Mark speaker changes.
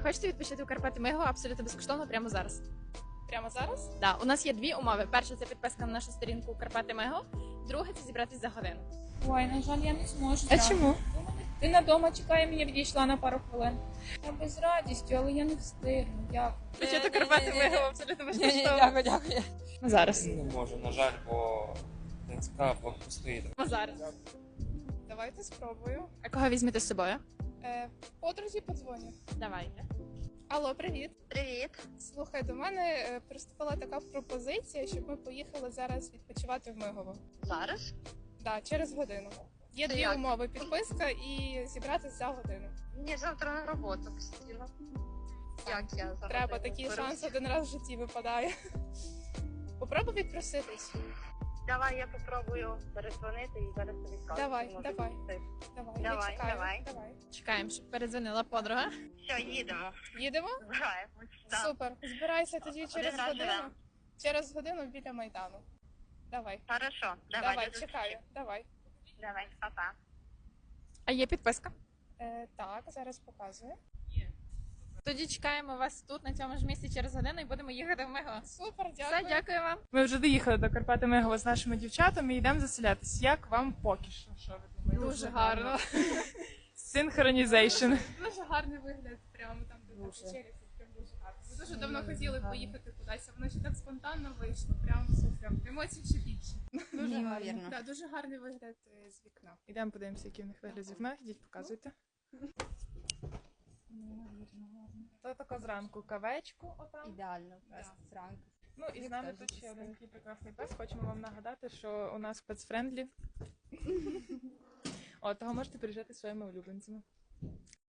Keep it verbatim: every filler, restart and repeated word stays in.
Speaker 1: хочете відпочити у Карпати Миго абсолютно безкоштовно прямо зараз?
Speaker 2: Прямо зараз?
Speaker 1: Да, у нас є дві умови. Перша це підписка на нашу сторінку Карпати Миго, друге це зібратись за годину.
Speaker 2: Ой, на жаль, я не зможу.
Speaker 1: А
Speaker 2: зараз.
Speaker 1: чому?
Speaker 2: Дитина вдома чекає, мені відійшла на пару хвилин. Я би з радістю, але я не встигну. Дякую.
Speaker 1: Почати Карпати Миго абсолютно безкоштовно.
Speaker 3: Дякую, дякую.
Speaker 1: Зараз.
Speaker 4: Не можу, на жаль, бо Донська блокпосту стоїть.
Speaker 1: Зараз.
Speaker 2: Давайте спробую.
Speaker 1: А кого візьмете з собою?
Speaker 2: Е, подрузі подзвоню.
Speaker 1: Давайте.
Speaker 2: Алло, привіт.
Speaker 5: Привіт.
Speaker 2: Слухай, до мене е, приступила така пропозиція, щоб ми поїхали зараз відпочивати в Мигово.
Speaker 5: Зараз?
Speaker 2: Да, через годину. Є
Speaker 5: Це
Speaker 2: дві
Speaker 5: як?
Speaker 2: умови: підписка і зібратися за годину.
Speaker 5: Мені завтра на роботу постійно. Як я зараз?
Speaker 2: Треба, такий шанс один раз в житті випадає. Попробуй відпроситись.
Speaker 5: Давай я попробую перезвонити і зараз тобі скажу.
Speaker 2: Давай,
Speaker 5: чи може
Speaker 2: давай.
Speaker 5: бути.
Speaker 2: Давай,
Speaker 5: Давай,
Speaker 2: я чекаю.
Speaker 5: давай.
Speaker 2: давай.
Speaker 1: Чекаємо, щоб передзвонила подруга.
Speaker 5: Все, їдемо.
Speaker 2: Їдемо?
Speaker 5: Збираємось. Да.
Speaker 2: Супер. Збирайся тоді через
Speaker 5: раз
Speaker 2: годину.
Speaker 5: живемо.
Speaker 2: Через годину біля Майдану. Давай.
Speaker 5: Хорошо, давай.
Speaker 2: Давай,
Speaker 5: до зустрічі.
Speaker 2: чекаю. Давай.
Speaker 5: Давай, па-па.
Speaker 1: А є підписка?
Speaker 2: Е, так, зараз показую.
Speaker 1: Тоді чекаємо вас тут, на цьому ж місці, через годину і будемо їхати в Миго.
Speaker 2: Супер,
Speaker 1: Все,
Speaker 2: дякую.
Speaker 1: дякую вам.
Speaker 2: Ми вже доїхали до Карпати Мигово з нашими дівчатами і йдемо заселятись. Як вам поки що? Що ви думаєте?
Speaker 1: Дуже гарно.
Speaker 2: Синхронізейшн. Дуже гарний вигляд, прямо там, де на вечері. Прям дуже гарно. Ми дуже давно хотіли поїхати кудись, а воно ще так спонтанно вийшло. Прям супер. Емоцій ще більше. Дуже гарно. Да, дуже гарний вигляд е, з вікна. Ідемо подивимося, який в них вигляд з вікна. Ідіть, показуйте. То тако зранку кавечку отам.
Speaker 3: Ідеально,
Speaker 2: Да.
Speaker 3: просто зранку.
Speaker 2: Ну і з нами тут ще один такий прекрасний пес. Хочемо вам нагадати, що у нас пецфрендлі. О, того можете приїжджати зі своїми улюбленцями.